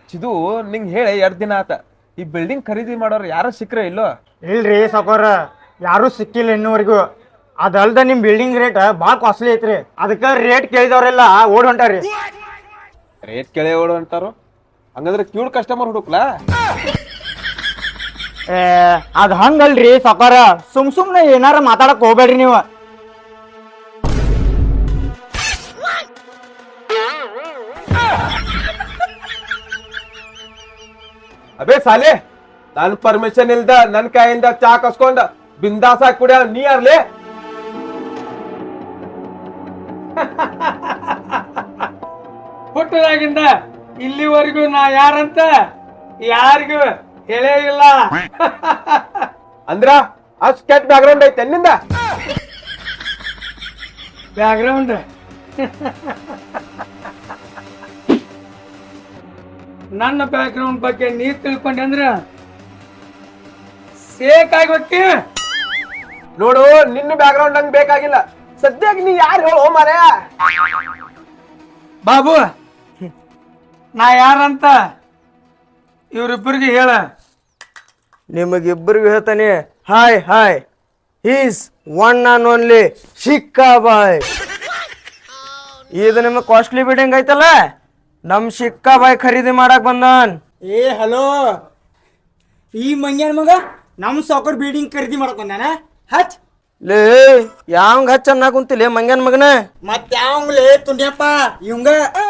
ಚಿದು ನಿಂಗೆ ಹೇಳಿ 2 ದಿನ ಆತ. ಈ ಬಿಲ್ಡಿಂಗ್ ಖರೀದಿ ಮಾಡೋರು ಯಾರು ಸಿಕ್ಕ್ರೆ ಇಲ್ಲೋ? ಇಲ್ರಿ ಸಾಕೋರ, ಯಾರೂ ಸಿಕ್ಕಿಲ್ಲ ಇನ್ನೂವರೆಗೂ. ಅದಲ್ದ ನಿಮ್ಮ ಬಿಲ್ಡಿಂಗ್ ರೇಟ್ ಭಾಳ ಕಾಸ್ಟ್ಲಿ ಐತ್ರಿ. ಅದಕ್ಕೆ ರೇಟ್ ಕೇಳಿದವ್ರೆಲ್ಲ ಓಡ್ ಹೊಂಟಾರಿ. ರೇಟ್ ಕೇಳಿ ಓಡು ಅಂತಾರು. ಹಂಗಂದ್ರೆ ಕ್ಯೂಡ್ ಕಸ್ಟಮರ್ ಹುಡುಕ್ಲಾ? ಅದು ಹಂಗಲ್ರಿ ಸಾಕೋರ, ಸುಮ್ನೆ ಏನಾರ ಮಾತಾಡಕ್ ಹೋಗ್ಬೇಡ್ರಿ ನೀವು. ಅಬೇ ಸಾಲೆ, ನನ್ ಪರ್ಮಿಷನ್ ಇಲ್ದ ನನ್ ಕೈಯಿಂದ ಚಾ ಕಸ್ಕೊಂಡ ಬಿಂದಾಸ್ ಹಾಕಿ ಕುಡಿಯ ನೀ ಯಾರ್ಲಿ? ಹುಟ್ಟದಾಗಿಂದ ಇಲ್ಲಿವರೆಗೂ ನಾ ಯಾರಂತ ಯಾರಿಗೂ ಹೇಳೇ ಇಲ್ಲ. ಅಂದ್ರ ಅಷ್ಟ್ ಕೆಟ್ಟ ಬ್ಯಾಕ್ಗ್ರೌಂಡ್ ಐತೆ ನಿಂದ? ಬ್ಯಾಕ್ಗ್ರೌಂಡ್ ನನ್ನ ಬ್ಯಾಕ್ಗ್ರೌಂಡ್ ಬಗ್ಗೆ ನೀ ತಿಳ್ಕೊಂಡೆ ಅಂದ್ರ ಸೇಕ್ ಆಗ್ಬೇಕಿ. ನೋಡು, ನಿನ್ನ ಬ್ಯಾಕ್ಗ್ರೌಂಡ್ ನಂಗೆ ಬೇಕಾಗಿಲ್ಲ. ಸದ್ಯಕ್ಕೆ ನೀ ಯಾರು ಹೇಳೋ ಮಾರ್ಯ? ಬಾಬು, ನಾ ಯಾರಂತ ಇವ್ರಿಬ್ಬರಿಗೆ ಹೇಳ. ನಿಮಗಿಬ್ಬರಿಗೂ ಹೇಳ್ತಾನೆ, hi is one on only ಶಿಕ್ಕಾ ಬಾಯ್. ಇದು ನಿಮಗೆ ಕಾಸ್ಟ್ಲಿ ಬಿಲ್ಡಿಂಗ್ ಐತಲ್ಲ, ನಮ್ ಶಿಕ್ಕಾ ಬಾಯ್ ಖರೀದಿ ಮಾಡಕ್ ಬಂದನ್. ಹಲೋ, ಈ ಮಂಗ್ಯಾನ ಮಗ ನಮ್ ಸಾಕರ್ ಬಿಲ್ಡಿಂಗ್ ಖರೀದಿ ಮಾಡಕ್ ಬಂದಾನ. ಹಚ್ ಲೇ, ಯಾವಂಗ ಹಚ್ಚ ಅನ್ನ ಕುಂತಿಲ್ಲ ಮಂಗ್ಯಾನ ಮಗನ? ಮತ್ ಯಾವಂಗ್ಲೇ ತುಂಡ್ಯಪ್ಪ ಇವಂಗ?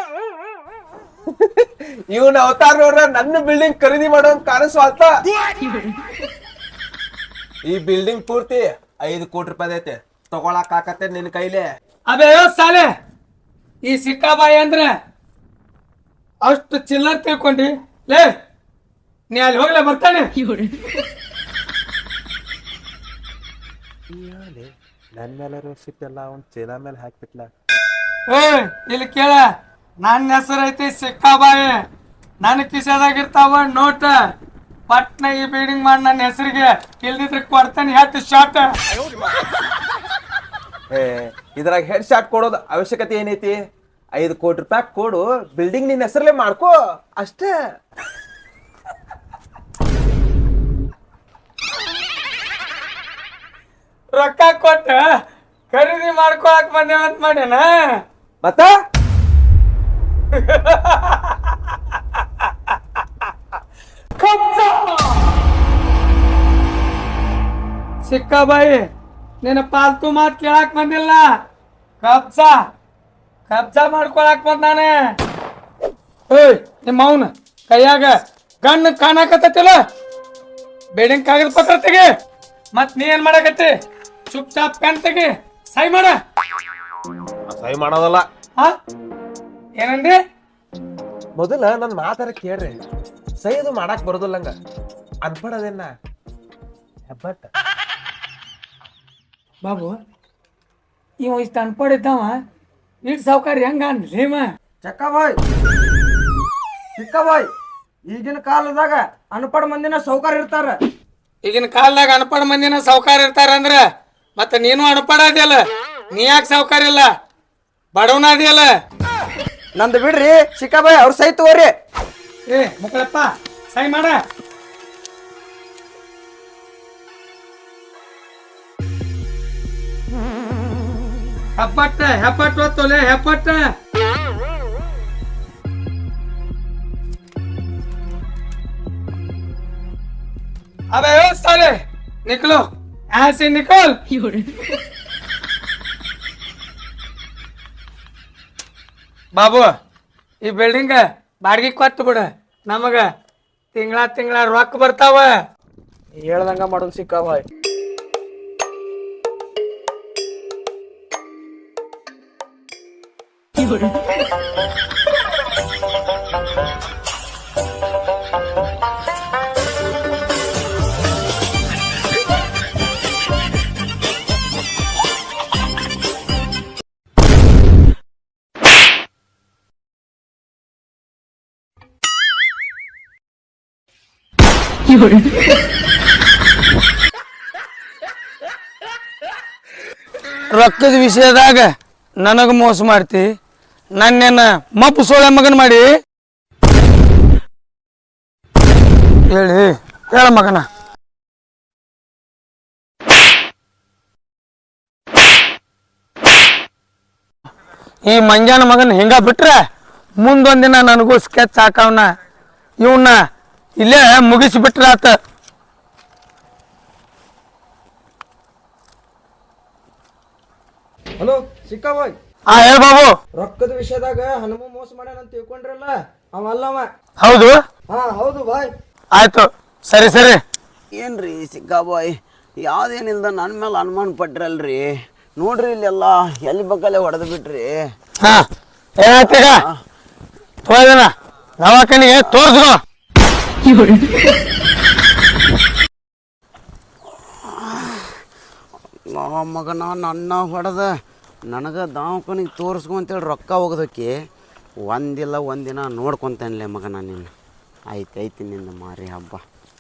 ಇವನ್ ಅವತಾರ ನೋಡ್ರ ನನ್ನ ಬಿಲ್ಡಿಂಗ್ ಖರೀದಿ ಮಾಡೋ ಕಾಣಿಸ್ವಾಲ್ತ. ಈ ಬಿಲ್ಡಿಂಗ್ ಪೂರ್ತಿ 5 ಕೋಟಿ ರೂಪಾಯಿ ಐತೆ. ತಗೊಳಕ್ ಆಕತ್ತೆ ನಿನ್ ಕೈಲೇ? ಅದೇ ಸಾಲೆ, ಈ ಸಿಕ್ಕಾಬಾಯಿ ಅಂದ್ರೆ ಅಷ್ಟು ಚಿಲ್ಲರ್ ತಿಳ್ಕೊಂಡಿ ಲೇ? ನೀ ಅಲ್ಲಿ ಹೋಗ್ಲೇ ಬರ್ತಾನೆ. ನನ್ ಮೇಲೆ ಸಿಟ್ಟೆಲ್ಲ ಅವ್ನ್ ಚೀಲ ಮೇಲೆ ಹಾಕ್ಬಿಟ್ಲ. ಇಲ್ಲಿ ಕೇಳ, ನನ್ನ ಹೆಸರು ಐತಿ ಸಿಕ್ಕಾಬಾಯಿ. ನನ್ನ ಕಿಸೆದಾಗಿರ್ತಾವ ನೋಟ. ಪಟ್ನ ಈ ಬಿಲ್ಡಿಂಗ್ ಮಾಡಿ ನನ್ನ ಹೆಸರಿಗೆ, ಇಲ್ದಿದ್ರೆ ಕೊಡ್ತಾನೆ ಹತ್ತು ಶಾಟ್. ಇದ್ರಾಗ ಹೆಡ್ ಶಾಟ್ ಕೊಡೋದು ಅವಶ್ಯಕತೆ ಏನೈತಿ? 5 ಕೋಟಿ ರೂಪಾಯಿ ಕೊಡು, ಬಿಲ್ಡಿಂಗ್ ನಿನ್ನ ಹೆಸರಲ್ಲೇ ಮಾಡ್ಕೋ ಅಷ್ಟೇ. ರೊಕ್ಕ ಕೊಟ್ಟ ಖರೀದಿ ಮಾಡ್ಕೊಳಕ್ ಬಂದೇವಂತ ಮಾಡ್ಯಾನ. ಮತ್ತ ಸಿಕ್ಕಾಬಾಯಿ, ನಿನ್ನ ಪಾಲ್ತು ಮಾತ್ ಕೇಳಾಕ್ ಬಂದಿಲ್ಲ. ಕಬ್ಜಾ ಮಾಡ್ಕೊಳಕ್ ಬಂದಾನೆ. ನಿಮ್ಮ ಅವನ ಕೈಯಾಗ ಗಣ್ಣು ಕಾಣಕತ್ತಿಲ್ಲ. ಬಿಲ್ಡಿಂಗ್ ಕಾಗದ ಪತ್ರ ತೆಗಿ. ಮತ್ ನೀ ಏನ್ ಮಾಡಕತ್ತಿ? ಚುಪ್ ಚಾಪ್ ಪೆನ್ ತೆಗಿ, ಸೈ ಮಾಡ. ಸಹಿ ಮಾಡೋದಲ್ಲ. ಏನಂದಿ? ಮೊದಲ ನನ್ ಮಾತಾರ ಕೇಳ್ರಿ. ಸಹಿ ಅದು ಮಾಡಾಕ್ ಬರೋದಿಲ್ಲಂಗ ಅನ್ಪಡದೇನ ಹೆಬ್ಬಟ್ಟ. ಬಾಬು, ಇವ ಇಷ್ಟ ಅನ್ಪಡಿದ್ದಾವ ಇಟ್ ಸಾವುಕಾರ ಹೆಂಗ ಅನ್ಲೇಮ? ಚಕ್ಕಾಬಾಯ್, ಚಿಕ್ಕಬಾಯ್, ಈಗಿನ ಕಾಲದಾಗ ಅನ್ಪಡ ಮಂದಿನ ಸೌಕಾರ ಇರ್ತಾರ. ಈಗಿನ ಕಾಲದಾಗ ಅನ್ಪಡ ಮಂದಿನ ಸಾವುಕಾರ ಇರ್ತಾರ ಅಂದ್ರ ಮತ್ತ ನೀನು ಅನ್ಪಡ ಅದಿಯಲ್ಲ. ನೀ ಯಾಕೆ ಸಾವುಕಾರ ಇಲ್ಲ? ಬಡವನ ಅದಿಯಲ್ಲ. ನಂದು ಬಿಡ್ರಿ ಚಿಕ್ಕಬಾಯ್, ಅವ್ರ ಸೈ ತಗೋರಿ. ಮಕ್ಕಳಪ್ಪ, ಸೈ ಮಾಡ. ಹೆಪ್ಪಟ್ಟ ಹೊತ್ತೋಲೆ ಹೆಪ್ಪಟ್ಟ. अबे ओ साले निकलो, यहाँ से निकल. ಬಾಬು, ಈ ಬಿಲ್ಡಿಂಗ್ ಬಾಡಿಗೆ ಕೊಟ್ಟು ಬಿಡ. ನಮಗ ತಿಂಗಳ ರೊಕ್ಕ ಬರ್ತಾವ. ಹೇಳ್ದಂಗ ಮಾಡೋದು ಸಿಕ್ಕಾಬಾಯ್. ರೊಕ್ಕದ ವಿಷಯದಾಗ ನನಗ ಮೋಸ ಮಾಡ್ತಿ. ನನ್ನೇನ ಮಪ್ಪು ಸೋಳೆ ಮಗನ್ ಮಾಡಿ ಹೇಳ ಮಗನ. ಈ ಮಂಗ್ಯಾನ ಮಗನ ಹಿಂಗ ಬಿಟ್ರೆ ಮುಂದೊಂದಿನ ನನಗೂ ಸ್ಕೆಚ್ ಹಾಕವನ. ಇವನ್ನ ಇಲ್ಲೇ ಮುಗಿಸಿಬಿಟ್ರಾತ. ಹಲೋ ಸಿಕ್ಕಾ ಬಾಯ್. ಹೇಳ ಬಾಬು. ರೊಕ್ಕದ ವಿಷಯದಾಗ ಹನುಮ ಮೋಸ ಮಾಡ್ಯಾನ ಅಂತ ತಿಳ್ಕೊಂಡ್ರಲ್ಲ, ಅವಲ್ಲವ. ಹೌದು. ಹೌದು ಬಾಯ್. ಆಯ್ತು, ಸರಿ ಸರಿ. ಏನ್ರಿ ಸಿಕ್ಕಾಬಾಯ್, ಯಾವ್ದೇನಿಲ್ದ ನನ್ನ ಮೇಲೆ ಅನುಮಾನ ಪಟ್ರಲ್ರಿ. ನೋಡ್ರಿ ಇಲ್ಲೆಲ್ಲ ಎಲ್ಲಿ ಬಗ್ಗಲ್ಲೇ ಹೊಡೆದು ಬಿಟ್ರಿ. ಏನಾಯ್ತೀಗ ತೋದನ ದವಾಖಾನಿಗೆ ತೋರ್ಸ್ಕೊ. ಮಗನ ನನ್ನ ಹೊಡೆದ ನನಗೆ ದವಾಖಾನಿಗೆ ತೋರಿಸ್ಕೊಂತೇಳಿ ರೊಕ್ಕ ಹೋಗೋದಕ್ಕೆ ಒಂದಿಲ್ಲ ಒಂದಿನ ನೋಡ್ಕೊತಾನಿಲ್ಲ ಮಗನ. ನಿನ್ನ ಐತಿ ನಿಂದ ಮಾರಿ ಹಬ್ಬ.